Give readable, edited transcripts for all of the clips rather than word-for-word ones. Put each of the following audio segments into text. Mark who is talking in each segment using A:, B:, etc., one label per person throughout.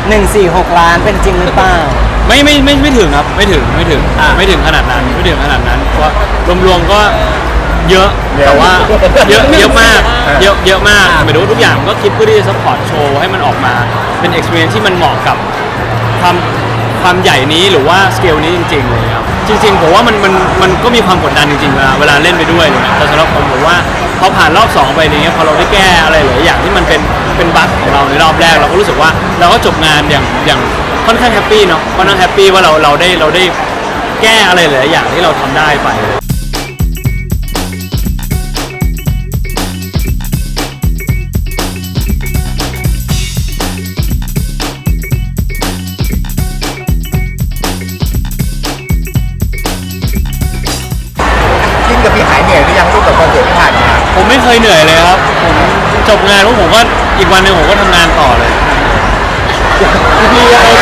A: 146 ล้านเป็นจริงหรือเปล่า
B: ไม่ถึงครับไม่ถึงขนาดนั้นเพราะรวมๆก็เยอะแต่ว่าเยอะมากเยอะมากหมายถึงว่าทุกอย่างก็คิดเพื่อที่จะซัพพอร์ตโชว์ให้มันออกมาเป็น experience ที่มันเหมาะกับความใหญ่นี้หรือว่าสเกลนี้จริงๆเลยครับจริงๆผมว่ามันก็มีความกดดันจริงๆเวลาเล่นไปด้วยเลยแต่สำหรับผมว่าพอผ่านรอบ2ไปอย่างเงี้ยพอเราได้แก้อะไรหลายอย่างที่มันเป็นบั๊กของเราในรอบแรกเราก็รู้สึกว่าเราก็จบงานอย่างค่อนข้างแฮปปี้เนาะค่อนข้างแฮปปี้ว่าเราได้แก้อะไรหลายอย่างที่เราทำได้ไป
C: กับพี่หายเหนื่อยหรือยังลูกกับคอนเสิร์ตที่ผ่านมา
B: ผมไม่เคยเหนื่อยเลยครับผมจบงานผมก็อีกวันหนึ่งผมก็ทำงานต่อเลย
C: พี่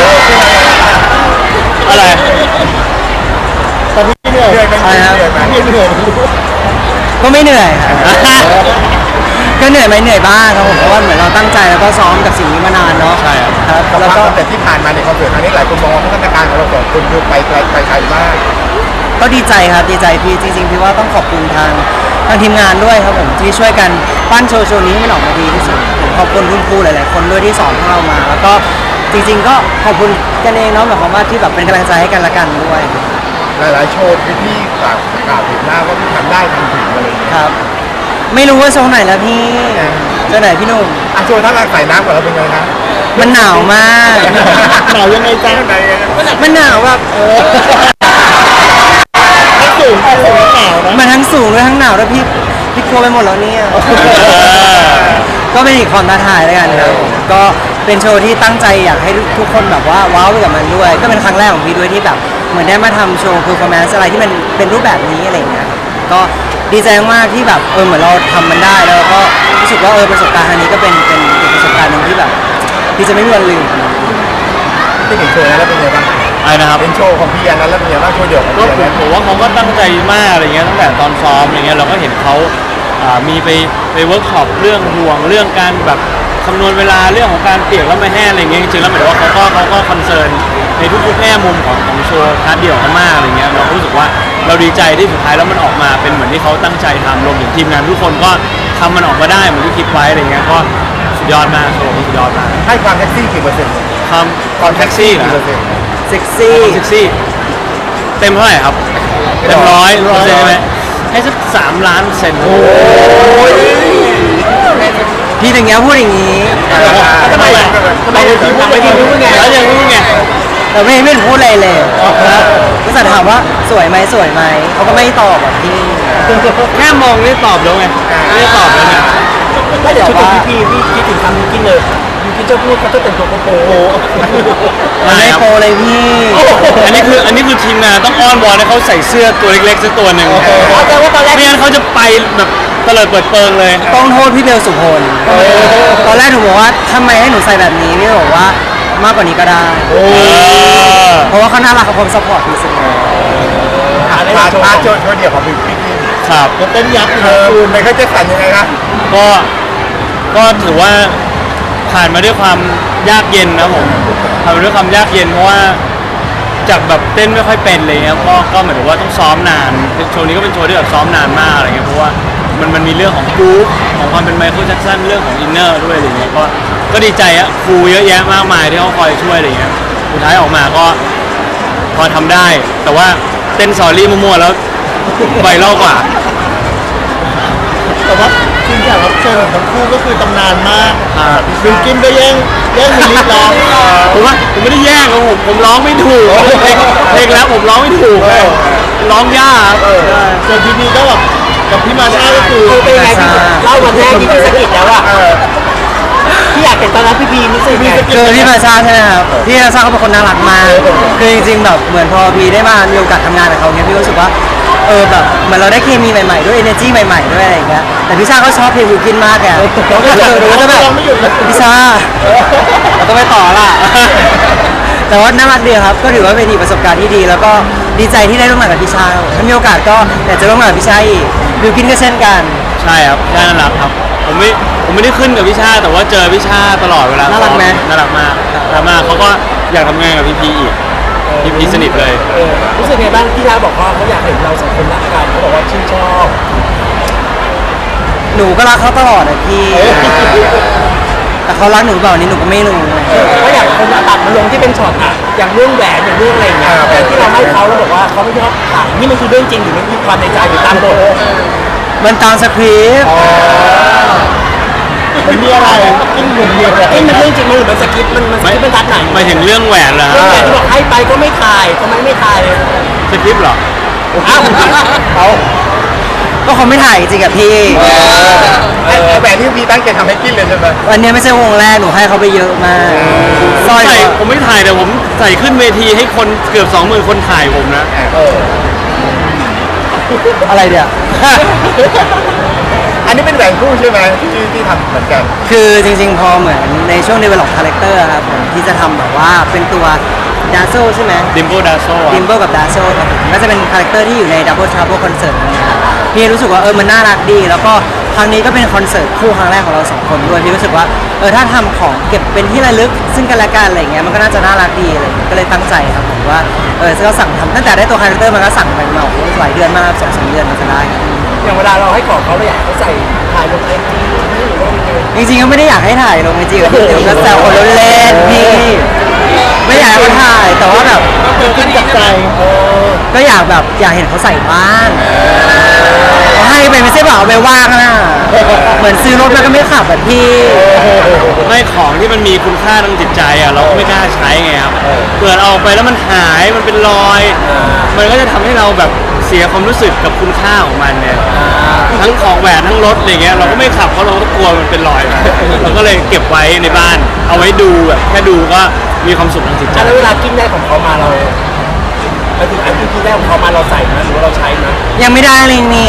B: อะไร
C: ตอนนี้เหนื่อยไหมเหนื่อย
A: ก็ไม่เหนื่อยครับก็เหนื่อยไหมเหนื่อยบ้างครับผมเพราะว่าเหมือนเราตั้งใจแล้วก็ซ้อมกับสิ่งนี้มานานเนาะ
B: ใช่ครับ
A: แล้วก็
C: แต่ที่ผ่านมาในคอนเสิร์ตครั้งนี้หลายคนมองว่าพัฒนาการของเราสองคนคือไปไกลมาก
A: ก็ดีใจครับดีใจพี่จริงๆพี่ว่าต้องขอบคุณทางทีมงานด้วยครับผมที่ช่วยกันปั้นโชว์นี้ให้มันออกมาดีที่สุดขอบคุณคุณครูหลายๆคนด้วยที่สอนพวกเรามาแล้วก็จริงๆก็ขอบคุณกันเองเนาะหมายความว่าที่แบบเป็นกำลังใจให้กันละกันด้วย
C: หลายๆโชว์ที่กล่าวถึงหน้าว่าทำได้ทำถึงอะไร
A: ครับไม่รู้ว่าโชว์ไหนแล้วพี่โชว์ไหนพี่หนุ่ม
C: โชว์ถ้าเราใส่น้ำก่อนเราเป็นไงนะ
A: มันหนาวมาก
C: หนาวยังไงจ๊ะ
A: มันหนาวแบบ
C: สูงหนาวนะ
A: มันทั้งสูงด้วยทั้งหนาวด้วยพี่กลัวไปหมดแล้วเนี่ยก็เป็นอีกความท้าทายแล้วกันครับก็เป็นโชว์ที่ตั้งใจอยากให้ทุกคนแบบว่าว้าวไปกับมันด้วยก็เป็นครั้งแรกของพี่ด้วยที่แบบเหมือนได้มาทำโชว์เพอร์ฟอร์แมนซ์อะไรที่มันเป็นรูปแบบนี้อะไรอย่างเงี้ยก็ดีใจมากที่แบบเหมือนเราทำมันได้แล้วก็รู้สึกว่าประสบการณ์ครั้งนี้ก็เป็นอีกประสบการณ์หนึ่งที่แบบที่จะไม่มีวันลืม
C: ที่เห็นโชว์แล้วเป็นไงบ้าง
B: อะไรนะครับ
C: เป็นโชว์ของพี่อันนั้นแล้วเป็นไงบ้างโชว์เดี่ยวของพี่อันนั้น
B: ผมว่าเขาก็ตั้งใจมากอะไรเงี้ยตั้งแต่ตอนซ้อมอะไรเงี้ยเราก็เห็นเขามีไปเวิร์กช็อปเรื่องห่วงเรื่องการแบบคำนวณเวลาเรื่องของการเปียกแล้วไม่แห้งอะไรเงี้ยจริงๆแล้วหมายถึงว่าเขาก็คอนเซิร์นในทุกๆแง่มุมของโชว์พาร์ทเดี่ยวเขามากอะไรเงี้ยเรารู้สึกว่าเราดีใจที่สุดท้ายแล้วมันออกมาเป็นเหมือนที่เขาตั้งใจทำรวมถึงทีมงานทุกคนก็ทำมันออกมาได้เหมือนที่คิดไว้อะไรเงี้ยก็สุดยอดมากโชว์สุดยอดมาก
C: ให้ความแท็กซี่กี่เปอร์เซ็นต์
B: ความแท็กซี่
C: กี่เปอร์เซ็นต์
A: เซ็กซี่
B: เต็มเท่าไหร่ครับเต็ม100%ใช่ไหมให้สัก3 ล้านเซนโอ้
A: ยพี่ถึงเงี้ยพูดอย่างนี้
C: ทำไมพี่พูดไง
B: แล้วยังพูดไง
A: แต่ไม่พูดอะไรเลยก็จะถามว่าสวยไหมเขาก็ไม่ตอบแบบพี่
B: แค่มองนี่ตอบแล้วไงไม่ได้ตอบแล้วไง
A: ก็เดี๋ยวว่า
C: พี่คิดถึงคำนี้กินเลยยูคิดจะพูดเขาจะแต่งตัวโป๊
A: ไม่โปเลยพี่
B: อันนี้คือทีมงานต้องอ้อนวอนให้เขาใส่เสื้อตัวเล็กๆสักตัวหนึ่งไม่งั้นเขาจะไปแบบเตลิดเปิดเปิงเลย
A: ต้องโทษพี่เบลสุพลตอนแรกหนูบอกว่าทำไมให้หนูใส่แบบนี้พี่บอกว่ามากกว่านี้ก็ได้เพราะว่าเขาน่ารักเขาพร้อมซัพพอร์ตที่สุด
C: พาโชว์เดี่ยวของพี่
B: ครับ
C: เต้นยับคุณไม่เคยจะสั่นยังไงครับ
B: ก็ถือว่าผ่านมาด้วยความยากเย็นนะผมผ่านมาด้วยความยากเย็นเพราะว่าจากแบบเต้นไม่ค่อยเป็นเลยครับก็เหมือนว่าต้องซ้อมนานโชว์นี้ก็เป็นโชว์ที่แบบซ้อมนานมากอะไรเงี้ยเพราะว่ามันมีเรื่องของกรุ๊ปของความเป็นไมเคิลแจ็คสันเรื่องของอินเนอร์ด้วยอะไรเงี้ยก็ดีใจอะครูเยอะแยะมากมายที่เขาคอยช่วยอะไรเงี้ยสุดท้ายออกมาก็พอทำได้แต่ว่าเต้นซอรี่มั่วๆแล้วไวรัลกว่า
C: แต่ว่าจริงๆแล้วโชว์ของทั้งคู่ก็คือตำนานมากบิลกินก็แย่งมิลลิร้อง
B: ผมไม่ได้แย่งครับผมร้องไม่ถูกเพลงแล้วผมร้องไม่ถูกร้องยาก
C: ส่วนพี่ก็แบบกับพี่มาชาก็คือ
A: เป็นไงพี่เล่าวันแรกที่พี่สกิดแล้วอะพี่อยากเห็นตอนนั้นพี่รู้สึกไงคือพี่มาชาใช่ไหมครับพี่มาชาเขาเป็นคนน่ารักมากคือจริงๆแบบเหมือนพอพี่ได้มามีโอกาสทำงานกับเขาเนี้ยพี่รู้สึกว่าแบบเหมือนเราได้เคมีใหม่ๆด้วย energy ใหม่ๆด้วยอะไรอย่างเงี้ยแต่พี่ชาเขาชอบเพลงวิวกินมากแกเขาก็จะแบบพี่ชาเราต้องไปต่อล่ะแต่ว่าน่ารักดีครับก็ถือว่าเป็นอีกประสบการณ์ที่ดีแล้วก็ดีใจที่ได้ร่วมงานกับพี่ชาถ้ามีโอกาสก็อยากจะร่วมงานกับพี่ชาอีกวิวกินก็เช่นกัน
B: ใช่ครับน่ารักครับผมไม่ได้ขึ้นกับพี่ชาแต่ว่าเจอพี่ชาตลอดเวลา
A: น่ารักไหม
B: น่ารักมากน่ารักมากเขาก็อยากทำงานกับพี่พีอีกพี่พีสนิทเลย
D: รู้สึกไงบ้างที่ร้านบอกว่าเขาอยากเห็นเราสองคนรักกันเขาบอกว่าชื่นชอบ
A: หนูก็รักเขาตลอดอะพี่ แต่เขารักหนูหรือเปล่านี่หนูก็ไม่รู้
D: เขาอยากคนตัดมาลงที่เป็นช็อตอะอย่างเรื่องแหวนอย่างเรื่องอะไรอย่างเงี้ยแต่ที่เราให้เขาแล้วบอกว่าเขาไม่ชอบถ่ายนี่มันคือเรื่องจริงหรือมันมีความในใจหรือตามบท
A: มันตามสคริปต์
C: มันมีอะไรกินเหมือนเดียว
D: เอ้ยมันเรื่องจริงมันหรือมันสคริปต์มันสคริปต์มันตัดไหน
B: หมายถึงเรื่องแหวนเหรอ
D: เรื่องแหวนที่บอกให้ไปก็ไม่ถ่ายทำไมไม่ถ่ายเลย
B: สคริปต์เหรอ
D: อ้าวเขา
A: ก็เขาไม่ถ่ายจริงกับพี่
C: แหวนที่พี่ตั้งใจทำให้กินเลยใช่ไหม
A: วันนี้ไม่ใช่วงแรกหนูให้เขาไปเยอะมากสร้อย
B: ผมไม่ถ่ายแต่ผมใส่ขึ้นเวทีให้คนเกือบ 20,000 คนถ่ายผมนะ
A: อะไรเดี๋ยว
C: อันนี้เป็นแหวนคู่ใช่ไหมที่ทำเหมือนกัน
A: คือจริงๆ พอเหมือนในช่วง develop character ครับผมที่จะทำแบบว่าเป็นตัวดาโซใช่ไหม
B: ดิมโบดาโซ
A: ดิมเบิลกับดาโซครับผมก็จะเป็นคาแรคเตอร์ที่อยู่ใน Double Trouble Concert นะครับพี่รู้สึกว่ามันน่ารักดี แล้วก็ครั้งนี้ก็เป็นคอนเสิร์ตคู่ครั้งแรกของเราสองคนด้วยพี่รู้สึกว่าถ้าทำของเก็บเป็นที่ระลึกซึ่งกันและกันอะไรเงี้ยมันก็น่าจะน่ารักดีอะไรเงี้ยก็เลยตั้งใจครับผมว่าก็สั่งทำตั้งแต่ได้ตัวคาแรคเตอร์มันก็สั่งไปมาหลายเดือนมาก2-3 เดือนมันจะได้ครับ
D: อย่างเวลาเราให้ของเขาเราอยากให้เขาใส่ถ่ายลงไอจีหรือว่ายังไง
A: จริงๆก็ไม่ได้อยากให้ถ่ายลงไอจีกับพี่เดี๋ยวก็แซวคนเล่นๆพี่ไม่อยากให้เขาถ่ายแต่ว่าแบบ
C: กินกับใจ
A: ก็อยากแบบอยากเห็นเขาใส่บ้างเขาให้ไปไม่ใช่แบบเอาไปว่างนะเหมือนซื้อรถแล้วก็ไม่ขับแบบพี่
B: ไม่ของที่มันมีคุณค่าทางจิตใจอ่ะเราก็ไม่กล้าใช้ไงครับเกิดเอาไปแล้วมันหายมันเป็นรอย มันก็จะทำให้เราแบบเสียความรู้สึกกับคุณค่าของมันเนี่ยทั้งของแหวนทั้งรถอะไรเงี้ยเราก็ไม่ขับเพราะเราก็กลัวมันเป็นรอยมาเราก็เลยเก็บไว้ในบ้าน เอาไว้ดูแบบแค่ดูก็มีความสุขทางจิตใจ
D: แล้วเวลากินได้ของเขามาเราไปถึงอันที่กินได้ของเขามาเราใส่นะหรือว่าเราใช้นะ
A: ยังไม่ได้เลยเนี่ย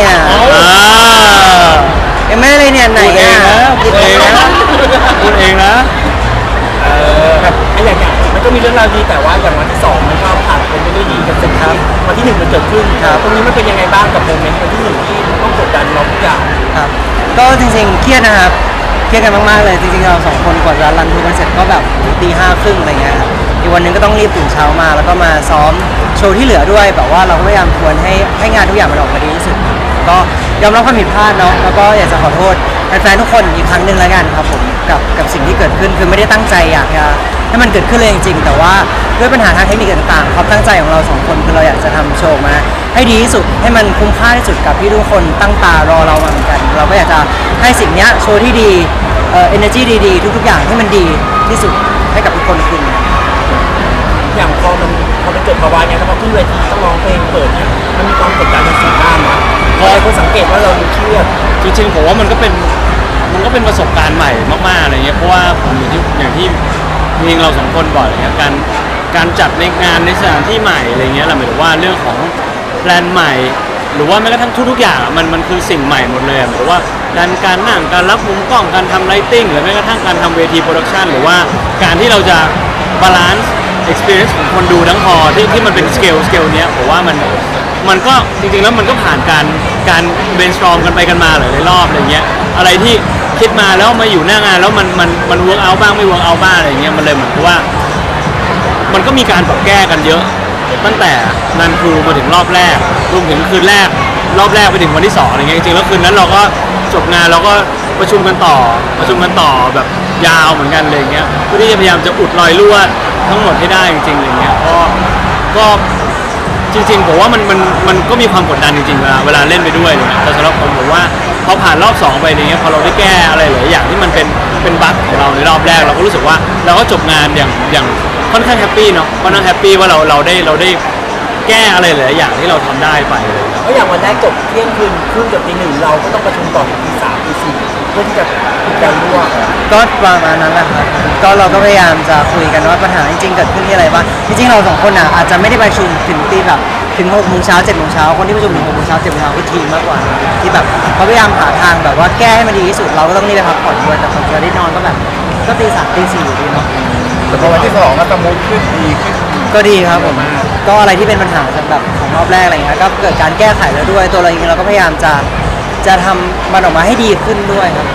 A: ยังไม่ได้เลยเนี่ยไหน
B: พูดเองนะ
A: อ่ะ
B: พูดเองนะ
D: ไอ้อย่างมันก็มีเรื่องราวดีแต่ว่าอย่างวันที่สองมันก็ผ่านไปไม่ได้ดีกันสักทีวันที่หนึ่งมันเกิดขึ้นตรงนี้มันเป็นยังไงบ้างกับโมเมนต์วันที่หนึ่งที่ต้องกดดันเราทุกอย่าง
A: ครับก็จริงๆเครียดนะครับเครียดกันมากๆเลยจริงๆเราสองคนกว่าจะรันทูกันเสร็จก็แบบตี 5 ครึ่งอะไรเงี้ยครับอีกวันหนึงก็ต้องรีบตื่นเช้ามาแล้วก็มาซ้อมโชว์ที่เหลือด้วยแบบว่าเราก็พยายามทวนให้งานทุกอย่างมันออกมาดีที่สุดก็ยอมรับความผิดพลาดเนาะแล้วก็อยากจะขอโทษแฟนๆทุกคนอีกครั้งหนึ่งแล้วกันครับผมกับสิ่งที่เกิดขึ้นคือไม่ได้ตั้งใจอยากจะให้มันเกิดขึ้นเลยจริงๆแต่ว่าด้วยปัญหาทางเทคนิคต่างๆความตั้งใจของเราสองคนคือเราอยากจะทำโชว์มาให้ดีที่สุดให้มันคุ้มค่าที่สุดกับที่ทุกคนตั้งตารอเรามาเหมือนกัน เราก็อยากจะให้สิ่งเนี้ยโชว์ที่ดีenergy ดีๆทุกๆอย่างให้มันดีที่สุดให้กับทุกคนคืนนี้
D: อย่างพอมันเกิดภาวะเนี้ยแล้วพอขึ้นเวทีต้องร้องเพลงเปิดเนี่ยมันมีความกดดันในสีหน้ามาพอคนสังเกตว่าเราเครียด
B: จริงๆผมว่ามันก็เป็นประสบการณ์ใหม่มากๆอะไรเงี้ยเพราะว่าผมอย่างที่จริงๆเราสองคนบ่อยอะไรเงี้ยการจัดในงานในสถานที่ใหม่อะไรเงี้ยเราหมายถึงว่าเรื่องของแปลนใหม่ หรือว่าแม้กระทั่งทุกๆอย่างอะมันคือสิ่งใหม่หมดเลยหมายถึงว่าการนั่งการรับมุมกล้องการทำไลติ้งหรือแม้กระทั่งการทำเวทีโปรดักชันหรือว่าการที่เราจะบาลานซ์ experience ของคนดูทั้งพอที่มันเป็นสเกลเนี้ยผมว่ามันก็จริงๆแล้วมันก็ผ่านการ brainstorm กันไปกันมาหลายๆรอบอะไรเงี้ยอะไรที่คิดมาแล้วมาอยู่หน้างานแล้วมัน work out บ้างไม่ work out บ้างอะไรเงี้ยมันเลยเหมือนกับว่ามันก็มีการปรับแก้กันเยอะตั้งแต่นันครูมาถึงรอบแรกรวมถึงคืนแรกรอบแรกไปถึงวันที่2อะไรเงี้ยจริงๆแล้วคืนนั้นเราก็จบงานเราก็ประชุมกันต่อแบบยาวเหมือนกันเลยเงี้ยเพื่อที่จะพยายามจะอุดรอยรั่วทั้งหมดให้ได้จริงๆอะไรเงี้ยก็จริงๆผมว่ามันก็มีความกดดันจริงๆเวลาเล่นไปด้วยเลยแต่สำหรับผมว่าพอผ่านรอบ2ไปอย่างเงี้ยพอเราได้แก้อะไรหลายอย่างที่มันเป็นบั๊กของเราในรอบแรกเราก็รู้สึกว่าเราก็จบงานอย่างค่อนข้างแฮปปี้เนาะค่อนข้างแฮปปี้ว่าเราได้แก้อะไรหลายอย่างที่เราทำได้ไปเลยครับ
D: เพราะอย่างวันแรกจบเที่ยงคืนครึ่งกับตี 1เราก็ต้องประชุมต่อถึงตี 3ตี 4เพื่อที่จะปิดการรั่ว
A: ก็ประมาณนั้นแหละครับก็เราก็พยายามจะคุยกันว่าปัญหาจริงๆเกิดขึ้นที่อะไรบ้างจริงๆเราสองคนอ่ะอาจจะไม่ได้ประชุมถึงตีแบบถึง6 โมงเช้า7 โมงเช้าคนที่ประชุมถึง6 โมงเช้า7 โมงเช้าคือทีมมากกว่าที่แบบเขาพยายามหาทางแบบว่าแก้ให้มันดีที่สุดเราก็ต้องรีบไปพักผ่อนด้วยแต่พอจะได้นอนก็แบบก็ตี 3ตี 4อยู่ดีเนาะ
C: แต่พอวันที่2ก็สมูทขึ้นดีขึ้น
A: ก็ดีครับผมก็อะไรที่เป็นปัญหาแบบของรอบแรกอะไรเงี้ยก็เกิดการแก้ไขแล้วด้วยตัวเราเองเราก็พยายามจะทำมันออกมาให้ดีขึ้นด้วยครับ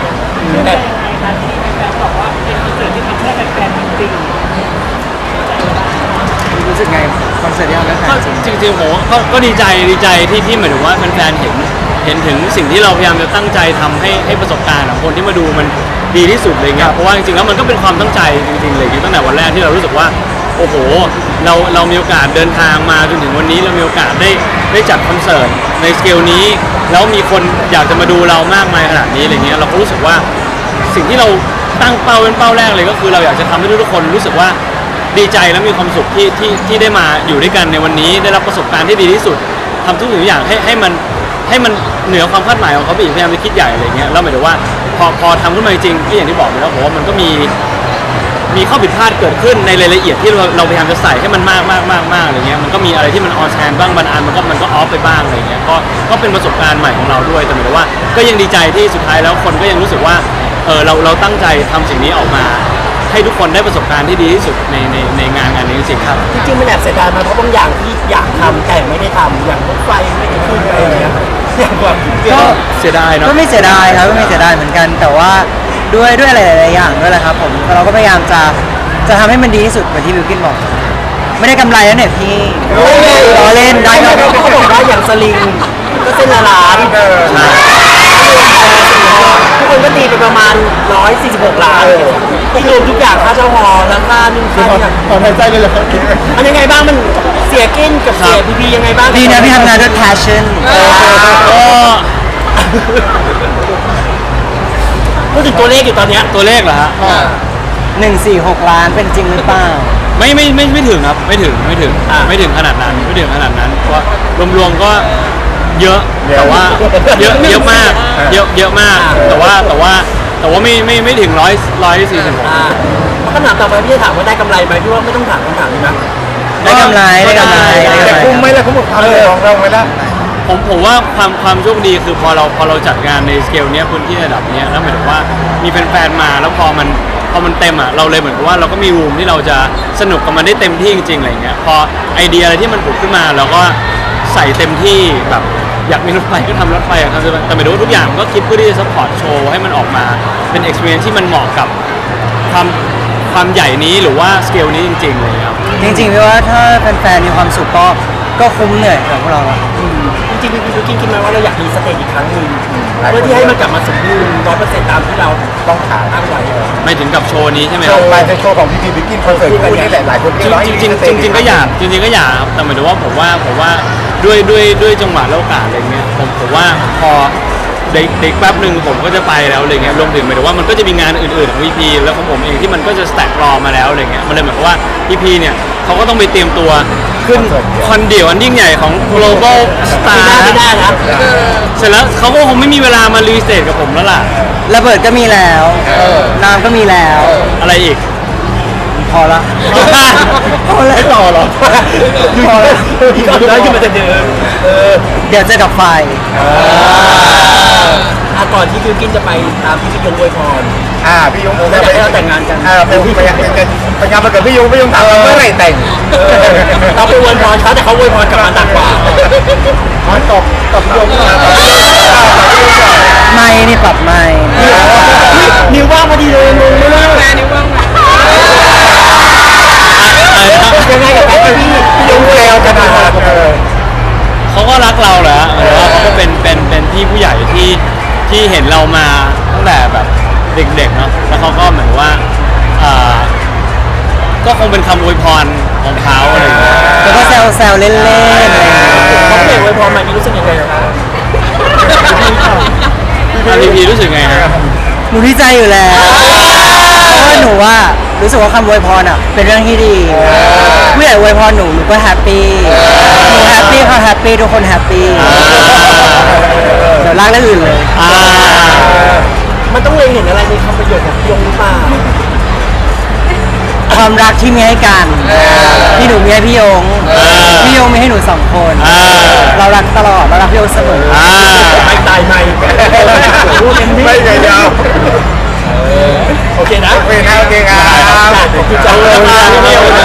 D: แต่
A: รู้สึกไงคอนเสิร์ตที่เราได้
B: ก็จริงๆผมก็ดีใจที่หมายถึงว่าแฟนๆเห็นถึงสิ่งที่เราพยายามจะตั้งใจทำให้ประสบการณ์ของคนที่มาดูมันดีที่สุดเลยเงี้ยเพราะว่าจริงๆแล้วมันก็เป็นความตั้งใจจริงๆเลยตั้งแต่วันแรกที่เรารู้สึกว่าโอ้โหเรามีโอกาสเดินทางมาจนถึงวันนี้เรามีโอกาสได้จัดคอนเสิร์ตในสเกลนี้แล้วมีคนอยากจะมาดูเรามากมายขนาดนี้อะไรเงี้ยเราก็รู้สึกว่าสิ่งที่เราตั้งเป้าเป็นเป้าแรกเลยก็คือเราอยากจะทำให้ทุกคนรู้สึกว่าดีใจและมีความสุขที่ได้มาอยู่ด้วยกันในวันนี้ได้รับประสบการณ์ที่ดีที่สุดทำทุกสิ่งทุกอย่างให้มันเหนือความคาดหมายของเขาไปอีกพยายามจะคิดใหญ่อะไรเงี้ยแล้วหมายถึงว่าพอทำขึ้นมาจริงก็อย่างที่บอกไปแล้วผมว่ามันก็มีข้อผิดพลาดเกิดขึ้นในรายละเอียดที่เราพยายามจะใส่ให้มันมากอะไรเงี้ยมันก็มีอะไรที่มันออนแชนบ้างบางอันมันก็ออฟไปบ้างอะไรเงี้ยก็เป็นประสบการณ์ใหม่ของเราด้วยแต่หมายถึงว่าก็ยังดีใจที่สุดท้ายแล้วคนก็ยังรู้สึกว่าเราตั้งใจทำสิ่งนี้ออกมาให้ทุกคนได้ประสบการณ์ที่ดีที่สุดในงานนี้จริงๆครับ
D: จริงๆมันแอบเสียดายมาเพราะบางอย่างที่อยากทำแต่ไม่ได้ทำอย่างรถไฟไม่ได้ขึ้นอะไรอย่างเงี้ยอย่างแบบ
B: ก็เสียดายเนาะ
A: ก็ไม่เสียดายครับก็ไม่เสียดายเหมือนกัน แต่ว่าด้วยอะไรหลายๆอย่างด้วยแหละครับผมเราก็พยายามจะทำให้มันดีที่สุดเหมือนที่บิวกินบอก ไม่ได้กำไรแล้วเนี่ยพี่ล้อเล่นได้
D: เขา
A: ครับ
D: บอกว่าอย่างสลิงก็เส้นละล้านทุกคนก็ตีไปประมาณ146 ล้านที่รวมทุกอย่างค่าเช่าหอแล้วค่านู่นค่านี่
C: ตอนหายใจเลยเหรอครับ
D: มันยังไงบ้างมันเสียกินกับเสียพีพียังไงบ้าง
A: ดีนะพี่ทำงานด้วย passion
D: พูดถึงตัวเลขอยู่ตอนเนี้ย
B: ตัวเลขเหรอฮะ
A: 146 ล้านเป็นจริงหรือเปล่า
B: ไม่ถึงครับไม่ถึงขนาดนั้นเพราะรวมๆก็เยอะแต่ว่าเยอะมากเยอะมากแต่ว่าไม่ถึง146
D: คำถามต่อไปพี่จะถามว่าได้กำไรไหมพี่ว่าไม่ต้องถามคำถามนี้นะ
A: ได้กำไรได้กำไร
C: แต่คุ้มไหมล่ะคุ้มกับความเหนื่อยของเราไหมล่ะ
B: ผมว่าความโชคดีคือพอเราจัดงานในสเกลเนี้ยพื้นที่ระดับเนี้ยแล้วหมายถึงว่ามีแฟนๆมาแล้วพอมันเต็มอ่ะเราเลยเหมือนกับว่าเราก็มีรูมที่เราจะสนุกกับมันได้เต็มที่จริงๆอะไรเงี้ยพอไอเดียอะไรที่มันผุดขึ้นมาเราก็ใส่เต็มที่แบบอยากมีรถไฟก็ทำรถไฟอะครับแต่หมายถึงว่าทุกอย่างก็คิดเพื่อที่จะซัพพอร์ตโชว์ให้มันออกมาเป็น experience ที่มันเหมาะกับความใหญ่นี้หรือว่าสเกลนี้จริงๆเลยครับ
A: จริงๆพี่ว่าถ้าแฟนๆมีความสุขก็คุ้มเหนื่อยกับพวกเราอะ
D: จริงๆพี่คิดไหมว่าเราอยากมีสเตจอีกครั้งหนึ่งเพื่อที่ให้มันกลับมาสมบูรณ์100%ตามที่เรา
C: ต้องถาม
D: ตั้งไว้
B: ไม่ถึงกับโชว์นี้ใช่ไหมค
C: โช
B: รับ
C: ว์ไปในโชว์ของพี่พีบิ๊กกินคอนเสิร์ตคู่นี่แหละหลายคน
B: จริงๆก็อยากครับแต่หมายถึงว่าผมว่าด้วยจังหวะและโอกาสอะไรเงี้ยผมว่าพอเด็กแป๊บหนึ่งผมก็จะไปแล้วอะไรเงี้ยรวมถึงหมายถึงว่ามันก็จะมีงานอื่นๆของพีแล้วของผมเองที่มันก็จะสแต็กรอมาแล้วอะไรเงี้ยมันเลยหมายความว่าพีเนี่ยเขาก็ต้องไปเตรียมตัวขึ้นคอนเดี่ยวอันยิ่งใหญ่ของ global star
D: ไม่ได้นะ
B: เสร็จแล้วเขาก็คงไม่มีเวลามารีสเตทกับผมแล้วล่ะ
A: ระเบิดก็มีแล้วน้ำก็มีแล้ว
B: อะไรอีก
A: พอละ พอละ
C: ไม่ต่อหรอ
A: พอละ
D: พี่ก็ได้ขึ้นมาแต่เดิม
A: เดี๋ยวเจอกับไฟ
D: ก่อนที่บิวกินจะไปตามที่พี่ยงอวยพร
C: พี่ยง
D: แล้วอยากให้เราแต่งงานกัน
C: ไปงานมาเกิดพี่ยงถามเมื่อไหร่แต่ง
D: เราไปอวยพรเขาแต่เขาอวยพรกลับมาหนักกว่า
C: มันตบพี่ยง
A: ไม่นี่ปรับไม่
D: นิ้วว่างพอดีเลยงงมากแม่นิ้วว่างยังไงกับการที่พี่ยงอวยพรกันมา
B: เขาก็รักเราแหละหรือว่าเขาก็เป็นพี่ผู้ใหญ่ที่เห็นเรามาตั้งแต่แบบเด็กๆเนาะแล้วเขาก็เหมือนว่าก็คงเป็นคำอวยพรของเขาอะไรอย่างเงี้ย
A: แล้วก็แซวๆเล่นๆอะไรอย่างเงี้ย
D: เขาเปลี่ยนอวยพรมามีรู้สึกยังไงครับ
B: พีรู้สึกไงฮะ
A: หนูดีใจอยู่แล้ว เพราะว่าหนูว่ารู้สึกว่าคำอวยพรอ่ะเป็นเรื่องที่ดีผู้ใหญ่อวยพรหนูก็แฮปปี้หนูแฮปปี้เขาแฮปปี้ทุกคนแฮปปี้เดี๋ยวลากเรื่องอื่นเลย
D: มันต้องเล็งเห็นอะไรในคำประโยชน์ของพี่ยงหรือเปล่า
A: ความรักที่มีให้กันที่หนูมีให้พี่ยงพี่ยงมีให้หนู2 คน เรารักตลอดเรารักพี่ยงเสมอ
D: ไม่ตายไม่พูดเต็มที่
C: ไม่ไงยาว
D: โอเคนะ
C: โอเคครับ
D: ขอบคุณจังเลย